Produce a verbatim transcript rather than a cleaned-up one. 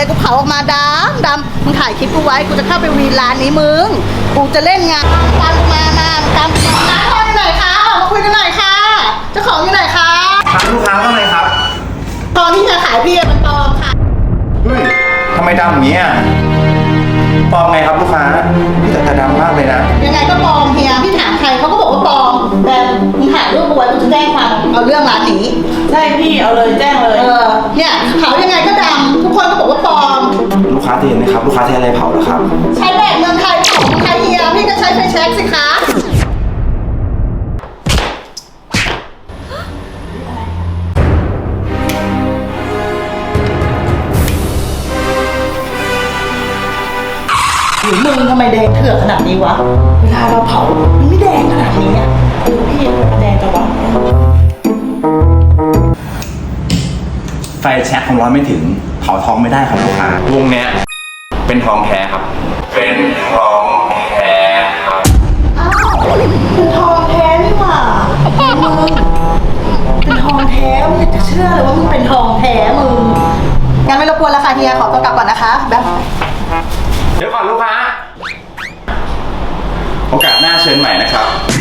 เลยกูเผาออกมาดำดำมึงถ่ายคลิปกูไว้กูจะเข้าไปวีนร้านนี้มึงกูจะเล่นงานตามกูมานะตามกูมาพ่ออยู่ไหนคะออกมาคุยกันหน่อยค่ะเจ้าของอยู่ไหนคะทางลูกค้าว่าไงครับตอนที่จะขายพี่มันปลอมค่ะเฮ้ยทำไมดำอย่างนี้อ่ะปลอมไงครับลูกค้าพี่แต่ดำมากเลยนะยังไงก็ปลอมเฮียพี่ถามใครเขาก็บอกว่าปลอมแต่มึงถ่ายรูปเอาไว้กูจะแจ้งความเอาเรื่องร้านนี้ใช่พี่เอาเลยแจ้งเลยเออเนี่ยเผายังไงก็ดำทุกคนก็บอกว่าปลอมลูกค้าจะเห็นไหมครับลูกค้าใช้อะไรเผาเหรอครับใช้แบบเมืองไทยของเมืองไทยเฮียพี่ก็ใช้ไฟแช็กสิคะหรือมึงทำไมแดงเถื่อนขนาดนี้วะเวลาเราเผามันไม่แดงขนาดนี้อ่ะเออพี่แดงจังวะไฟแช็คของร้อนไม่ถึงเผาทองไม่ได้ครับลูกค้าวงเนี้ยเป็นทองแท้ครับ เป็นทองแท้ครับอ้าวเป็นทองแท้นี่หว่ามึงเป็นทองแท้มึงอยากจะเชื่อเลยว่ามึงเป็นทองแท้มึงงั้นไม่รบกวนแล้วค่ะเฮียขอตัวกลับก่อนนะคะแบบเดี๋ยวก่อนลูกค้า โอกาสหน้าเชิญใหม่นะครับ